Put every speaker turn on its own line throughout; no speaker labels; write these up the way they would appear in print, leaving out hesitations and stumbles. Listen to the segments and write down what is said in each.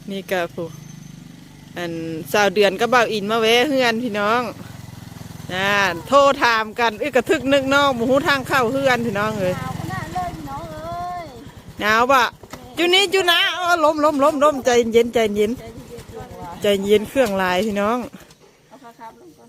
นี่ก็ผู้อันสาวเดือนก็เบาอินมาแวะเฮือนพี่น้องโทรถามกันกระทึกนึกน้องหมูทางเข้าเฮือนพี่น้องเลย
หนาวขนาดเลยพี่น้องเอ้ย
หนาวปะจุนี้จุนะล้มใจเย็นใจเย็นใจเย็นเครื่องลายพี่น้อง
เอาครับลงก่อน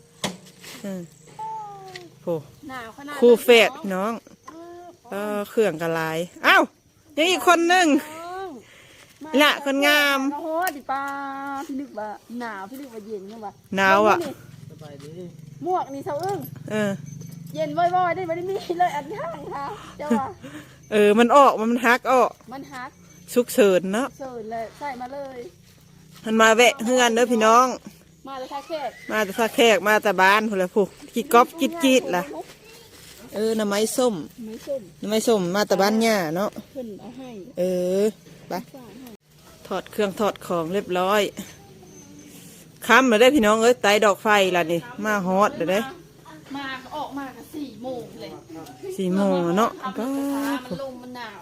โอ้
หนาวขนาด
คู่เฟดพี่น้องเครื่องกระลายอ้าวยังอีกคนนึงละคนงาม
โอ้โหดิป้าพี่นึกว่าหนาวพี่นึกว่าเย็นเนี่ยว่ะ
หนาวอ่ะ
สบายดี
หมวกนี่เสาอึ้งเย็นบ่อยๆได้ไม่ได้มีเลยอันข้างค่ะเจ้าว่า
มันออกมันฮักออก
มันฮัก
สุกเฉินเนาะ
เสริญเลยใส่มาเลย
มันมาแวะเฮือนเด้อพี่น้อง
มาเลยค่ะแขก
มาแต่ท่าแขกมาแต่บ้านพูดเลยผู้กี่ก๊อบกีดล่ะน้ำไม้ส้มน้ำไม้ส้มมาแต่บ้านย่าเนาะ
ขึ้นเอาให้
ไปถอดเครื่องถอดของเรียบร้อยค้ำมาได้พี่น้องไต่ดอกไฟล่ะนี่มาฮอตเด้อ
มาออกมากัน4 โมงเลย
4 โมงเนาะ
ก็มันลมมันหนาว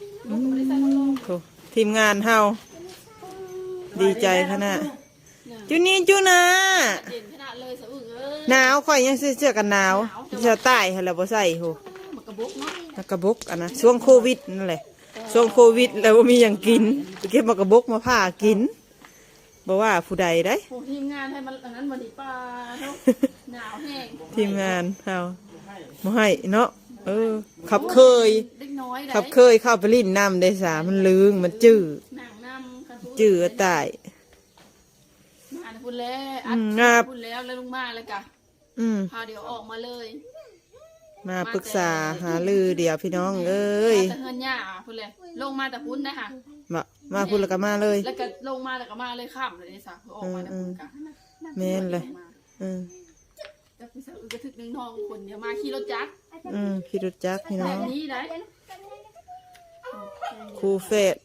ทีมงานเฮาดีใจขนาดจุนี้จุนะ
เย็นขนาดเลยสะอึก
หนาวค่อยยังเสื้อกันหนาวเสื้อใต้ให้เราบ่ใส่โห
กระบุกเนาะ
กระบุกอันนะช่วงโควิดนั่นแหละช่วงโควิดแล้วบ่มีอย่างกินเก็บมากระบุกมาผ่ากินบอกว่าผู้ใดได้
ทีมงานให้มันอันนั้นบดีป้าหนาวแห้ง
ทีมงานเฮาบ่ให้เนาะขับเคยขับเคยเข้าไปลิ้นน้ำได้สามันลึงมันจืดตาย
มาพูดแล้วพูดแล้วลงมาเลยกะพาเดี๋ยวออกมาเลย
มาปรึกษาหาลือเดี๋ยวพี่น้อง
แต่เฮือนหญ้าพูดเลยลงมาแต่พุ่นนะคะ
มาพูดแล้วก็มาเลย
แล้วก็ลงมาแล้วก็มาเลยข้ามเลยนี่สะออกมาแต่พุ่นกะ
แม่นเลย
จะไปซื้อกระทึกนึงน้องคนเดียวมาขี่รถจักร
ขี่รถจักรพี่น้อง
นี้ได้
ครูเฟด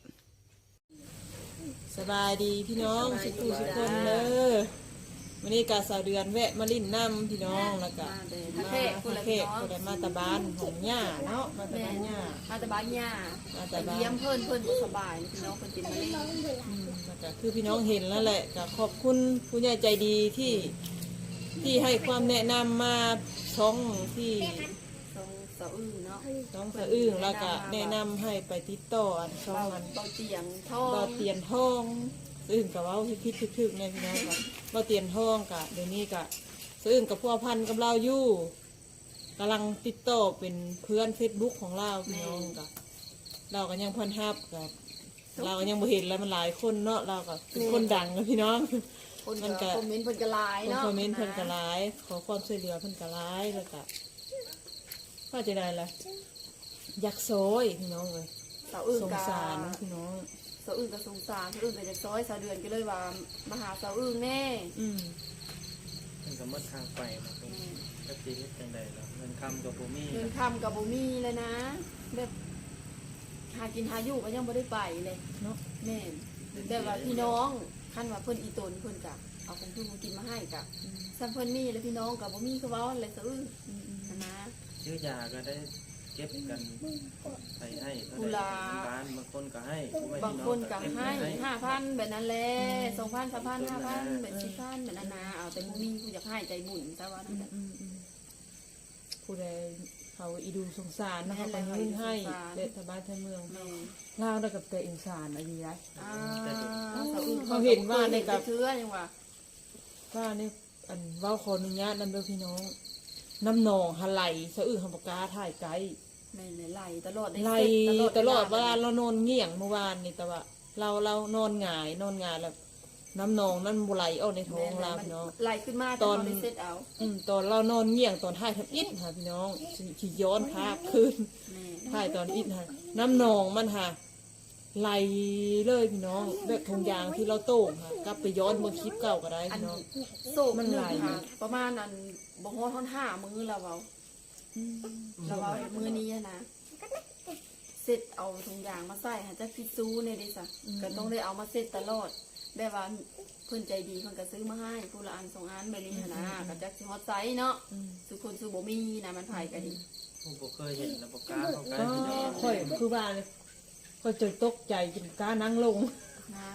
สบายดีพี่น้องสุขุสุขคนเลยวันนี้กาสาวเดือนแวะมาลิ้นน้ำพี่น้องแล้วก็
มาเทศ
คนมาตะบานของหญ้าเนาะมาตะบานหญ้า
แต่เยี่ยมเพิ่นก็สบายพี่น้องเพิ่นติดมาเล่น
ก็คือพี่น้องเห็นแล้วแหละก็ขอบคุณผู้ใหญ่ใจดีที่ให้ความแนะนำมาช่องที่
สะอึ้งเนาะ
น้องสะอึ้งแล้วก็แนะนำให้ไปติดต่อช่องมัน
เบาเตียน
ทองอึ้งกับว่าคิดถึกเนี่ยพี่น้องกับว่าเตียนทองกับเดี๋ยวนี้กับอึ้งกับพัวพันกับเราอยู่กำลังติดต่อเป็นเพื่อน Facebook ของเราพี่น้องกับเราก็ยังพันทับกับเราก็ยังบ่เห็นแล้วมันหลายคนเนาะเราก็เป็นคนดังนะพี่น้อง
มันก็คอมเมนต์เพิ่นก็หลายเนาะ
คอมเมนต์เพิ่นก็หลายขอความช่วยเหลือเพิ่นก็หลายแล้วก็ว่าจะได้ล่ะอยากโซยพี่น้องเลยสงสารพี่น้อง
สะอึ้งกับสงสารสะอึ้งกับจะซ้อยสะเดือนก็เลยว่ามาหาสะอึ้งแน่
มันก็มัดทางไปนะก็ตีนิดจังใดแล้วเงินคำกับโบมี่
เลยนะแบบหากินหาอยู่ก็ยังไม่ได้ไปเลย
เนาะ
แม่แต่ว่าพี่น้องขั้นว่าเพิ่นอีตนเพิ่นกะเอาของพี่มูกินมาให้กะซัมเพิ่นมีแล้วพี่น้องกับโบมี่คือว่าอะไรสะอึ้งนะ
ซื้อยาก็ได้เก็บกันไปให้บ้านบางคนก็ให้
บางคนก็ให้5,000แบบนั้นแหละ2,000 3,000 5,000แบบ4,000แบบนั้นนะเอาแต่มูมี่ผู้อยากให้ใจบุญซะว่านั่นแหละ
ผู้ใดเขาอีดูสงสารนะคะไปยื่นให้เด็ดสบายในเมืองเล่าได้กับแต่อินสารอะไรไรเขาเห็นว่าในกับ
เชื้อยัง
ว่าในอันว่าขออนุญาตนั่นด้วยพี่น้องน้ำหนองหะไหลสะอื้นหำปากาถ่ายไกล
ไหลตลอด
ว่าเรานอนเงี่ยงเมื่อวานนี่แต่ว่าเรานอนหงายแล้วน้ำหนองนั่นบุไหลออกในท้องเราพี่น้อง
ไหลขึ้นมา
ตอนตอนเรานอนเงี่ยงตอนถ่ายทับอิดค่ะพี่น้องขี่ย้อนภาพขึ้นถ่ายตอนอิดค่ะน้ำหนองมันค่ะไหลเลยพี่น้องแบบทงยางที่เราโต้งค่ะกลับไปย้อนเมื่อคลิปเก่าก็ได้พี่น้อง
โซ่มันไหลประมาณนั้นบ่ฮอดท่อน5 มื้อเราเอามื้อนี้นะเสร็จเอาถุงยางมาใส่หาจะพิซูเนี่ยดิสะก็ต้องได้เอามาเสร็จตลอดแบบว่าเพื่อนใจดีเพื่อนก็ซื้อมาให้ผู้ละอัน2 อันแบบนี้นะก็จะฮอตไซส์เนาะสุคนสุโบมีนะมันไผ่กันดิ
ผมเคยเห็นนะปากกาของ
การค่อยคือบ้านเลยค่อยจนตกใจจนกานั่งลง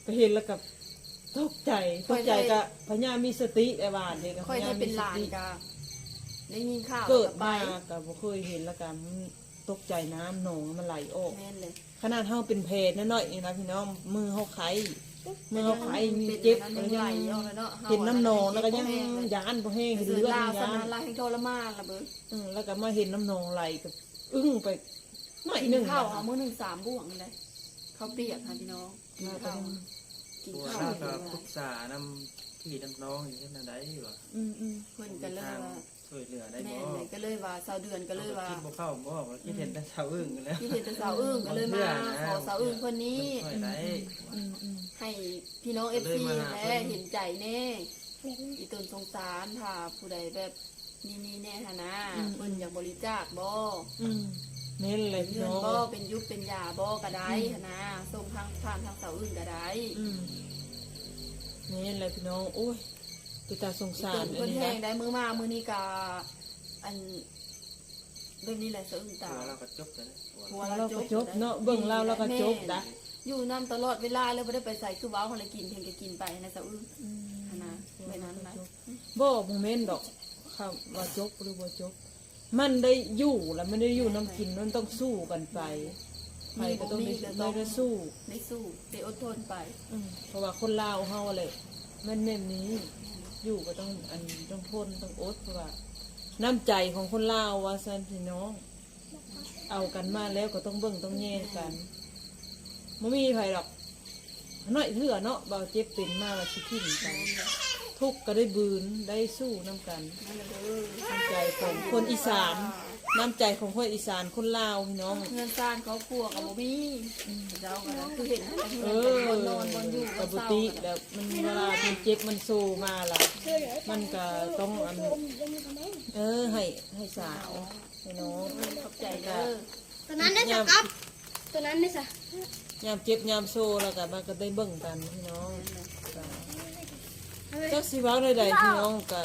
ก็เห็นแล้วกับตกใจก็พญามีสติไอ้บ้านเด็กก็
ค่อย
พญา
ได้
มี
เป็น
ส
หลาน
ติ
กะได้ยินข่าว
เกิด
ไป
มาก็บ่เคยเห็นแล้วกันตกใจน้ำหนองมันไหลออก
แม่นเลย
ขนาดเฮาเป็นแผลน้อยๆนี่นะพี่น้องมือเฮาไข้มือเฮาไข้มีเจ็บ
เป็
แล้ว
น
ยั
ไหล
ง
ออกแล้วเนาะ
เห็นน้ำหนองแล้วก็ยังยานบ่แห้งเห็น
เสือ
เลือด
ลาว
ยา
สนาน นลายให้ทรมานละเบิ่ง
แล้วก็มาเห็นน้ำหนองไหลก็อึ้งไปหน่อย
กิ
หนึ
น
ง
ข้าวเอามื้อหนึง3บ่วงเลยข้าวเปียกค่ะพี่น้องกินข้าวกิน
ตัว
ข้าว
เราก็ปรึกษานำพี่น้ำน้องอยู่ที่นั่นได้บ่
เพิ่นก็เลยว่า
ช่วยเหลือได้
แม่
บ่
เลยก็เลยว่าสาวเดือนก็เลยว่า
คิดบ่เข้าบ่ว่าคิดเห็นแต่เสาอึ้งกันแล้ว
ที่เห็นแต่สาวอึ้งก็เลยมาขอสาวอึ้งคนนี้
ช่วยได้
ให้พี่น้อง FC และเห็นใจแน่อีตนสงสารถ้าผู้ใดแบบมีแน่หนนะเพิ่นอยากบริจาคบ่
เน้นเลยพี่
เงิน
น้อง
บ่เป็นยุคเป็นยาบ่ก็ได้หั้นนะส่งทางผ่านทางเสาอื่นก็ได้
เน้นเลยพี่น้องโอ้ยติตาสง
อี
สา
ต
ร
น
อั
เพิ่
น
น
นี้
แห้
นะ
งได้มื้อมามื้อนี้ก็อันเรื่องนี้แหละเสาอื่น
ตั
ตาว
เราก็จบแล้ว
หัว
เราก็จบเนาะเบิ่งเราก็จบนะ
อยู่นํตลอดเวลาแล้วบ่ได้ไปใส่คือว้าวเฮาเลยกินเพิ่นก็กินไปนะเสาอื่นหั้นนะไว้นั้นนะ
บ่โมเมนต์ดอกค่ะว่าจบหรือบ่จบ มันได้อยู่แล้วมันได้อยู่น้ำกินมันต้องสู้กันไปไปก็ต้องได้สู้
ได้สู้ได้อดทนไป
เพราะว่าคนลาวเฮาเลยมันแน่นี้ อยู่ก็ต้องต้องทนต้องอดเพราะว่า น้ำใจของคนลาวว่าซั่นพี่น้อง เอากันมาแล้วก็ต้องเบิ่งต้องแย่งกันไม่มีใครหรอกน้อยเถื่อเนาะเบาเจ็บเป็นมาว่าสิทิ้งกันทุกข์ก็ได้บืนได้สู้น้ำกัน
นั่นแหละเด้อ
น้ำใจของคนอีสานน้ำใจของคนอีสานคนลาวพี่น้อง
เงินซ่านเขาครัวกับบ่มีเจ้าก็คือเห็นแต่
เอ
เงิน
อ
บนนอนบนอยู่บ
กับ
น
บุ
เศร้า
ติแล้วมันเวลามันเจ็บมันสู้มาล่ะมันก็ต้องให้สาวให้น้อง
ขอบใจเด้อ
ตัวนั้นได้สักครับตัวนั้นได้สัก
ยามเจ็บยามโซ่แล้วก็มันก็ได้เบิ่งกันพี่น้องจักสิเว้าใดๆพี่น้องก็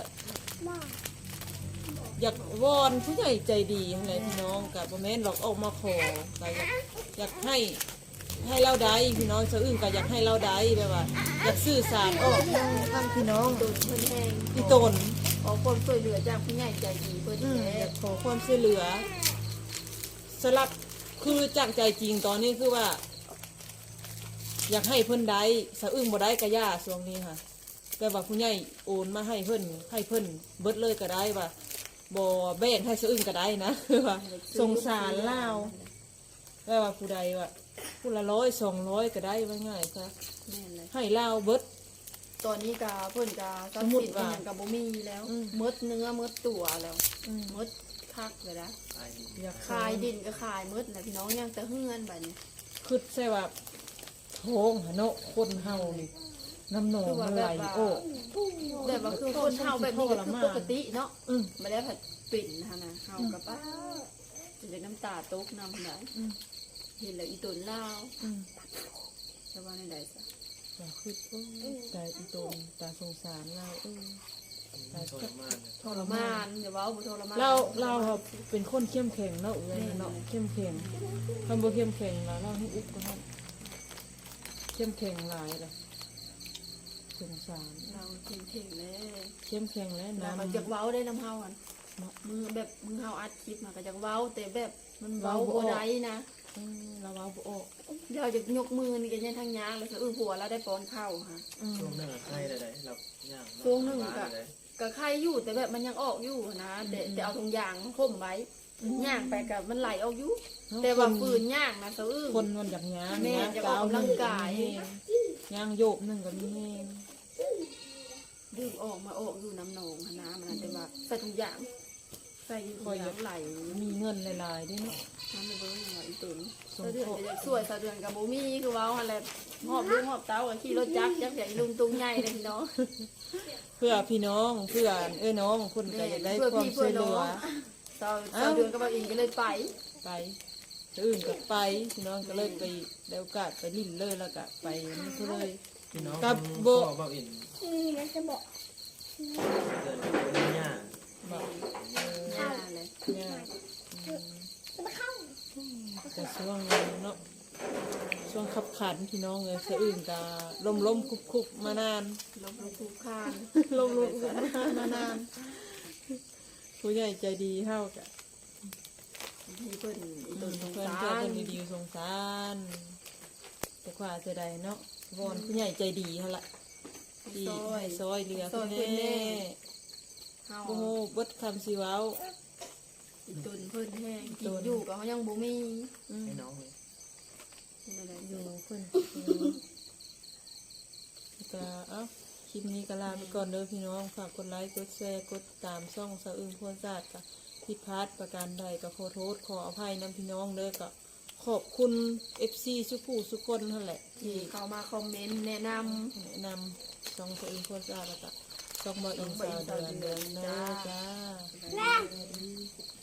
อยากวอนผู้ใหญ่ใจดีอะไรพี่น้องก็บ่แม่นหรอกออกมาขอก็อยากให้เราได้พี่น้องซะอื่นก็อยากให้เราได้แบบว่า อยากสื่อสารออกทางพี่น้อง
ตัวเพิ่นแห้ง
อีตน
ขอความช่วยเหลือจากผู้ใหญ่ใจดีเพิ่น
อ
แท้
ยากขอความช่วยเหลือสลับคือจากใจจริงตอนนี้คือว่า อยากให้เพิ่นได้สะอึ้งบ่ได้กะย่าช่วงนี้ค่ะ แต่ว่าผู้ใหญ่โอนมาให้เพิ่นเบิดเลยก็ได้ว่าบ่แบ่งให้สะอึ้งก็ได้นะ คือว่าสงสารลาวแต่ว่าผู้ใดว่าผู้ละ100 200ก็ได้ว่าง่ายซะ
แม่นเลย
ให้ลาวเบิด
ตอนนี้ก็เพิ่นก็ทรัพย์สินเป็นหยังก็บ่มีแล้ว
อืม
หมดเนื้อหมดตัวแล้วหมดคักเลยนะ
ตายดี
อยาก
ขายดินก็ขายหมดนะพี่น้องยังแต่เฮือนบัดนี้
คือใช่ว่าท้องหะเนาะคนเฮานี่น้ำหนองมันไหลโอ้
แบบว่าคือคนเฮาแบบนี้ก็คือปกติเนาะ
อืม
มาได้ผัดปิ่นนะคะนะเฮากับป้าจนจะน้ำตาตกน้ำไหล
อืม
เห็นแล้วอีตนเล่าว
อืม
จะว่าในใดซะ
ก็คือแต่อีตนตาสงสารเราตา
ทรมาน
ทรมานเดี๋ยวเว้าบ่ทรมาน
เราครับเป็นคนเข้มแข็งเนาะเอ้ยเนาะเข้มแข็งคำว่าเข้มแข็งเราให้อุบก็ได้เข้มแข็งหลายเลยสงสาร
เราเข่งๆเลย
เข้มแข็งแล้ว
เรา
น้ำ
ก็จักเว้าได้น้ำเฮาอันมือแบบมือเฮาอัดคลิปมาก็จักเว้าแต่แบบมันเว้าบ่ได้นะ
เราเอาบ่ออก
เดี๋ยวจะยกมือนี่ก็ยังทางยางเลยคือหัวเราได้ป้อนข้าวค่ะ
ช่วงนึงใครได้เราย่าง
ช่วงหนึ่งก็ไข่อยู่แต่แบบมันยังออกอยู่นะแต่เอาถุงยางห่มไว้ย่างไปกับมันไหลออกอยู่แต่ว่าฝืนย่างนะเสะอื้อ
คนมันอยากย้าง
แม่จะออกกำลังกาย
ย่างโยกนึงก็มีแห้ง
ดึงออกมาออกอยู่น้ำหนองนะมันแต่ว่าใส่ถุงยางใส่ถุงยางไหล
มีเงินหลายๆด้วยเนาะ
น้ำมันเบิ้งอะไรอีตุนสะเดือนจะสวยสะเดือนกับโบมี่คือว้าวอะไรหอบลูกหอบเต้ากับขี่รถจักรจักรใหญ่ลุงตุงใหญ่เลยพี่น้อง
เพื่อพี่น้องเพื่อน้องคนก็อยากได้ความช่วยเหลือ
สะเดือนกับบ่าวอินก็เลยไป
ไปอื่นก็ไปพี่น้องก็เลยไปได้โอกาสไปลิ้นเลยแล้วก็ไปนี่ก็เลย
พี่น้อง
กับโบ
เบาอิน
นี่นะจะบอก
เดินไปย่า
บอก
ย่าเลย
เนี่ย
จะมาเข้า
แต่ช่วงนี้เนาะช่วงขับขันพี่น้องเลยสะอื่นกะล้มคุบมานาน
ลบลูกข้าน
ล้มมานานผู้ใหญ่ใจดีเท่ากะ
ที่เพิ่นอีตนสง
เพื่อน
สา
เพื่อน
ร
ดีๆสงสารแต่กว่าจะได้เนาะวอนผู้ใหญ่ใจดีเขาละดีให้ซอยเรือเพื่อนแน่
เฮา
โอ้โหเบิดคำสิเว้า
อีตนเพิ่นแห้งกินอยู่ก็เขายังบ่มี
ให้น้องเลย
เป็นอะไร
อยู่เพื่อนก็เอ้าคลิปนี้ก็ลาไปก่อนเด้อพี่น้องฝากกดไลค์กดแชร์กดตามช่องสาวอึ้งพวนศาสตร์กะผิดพลาดประการใดก็ขอโทษขออภัยน้ำพี่น้องเด้อก็ขอบคุณ FC สุกูสุกคนนั่นแหละ
ที่
ที่
เข้ามาคอมเมนต์แนะนำ
แนะนำช่องสาวอึ้งพวนศาสตร์แล้วก็ช่องบ่อินสาวเดือนเด้อจ้า
จ้า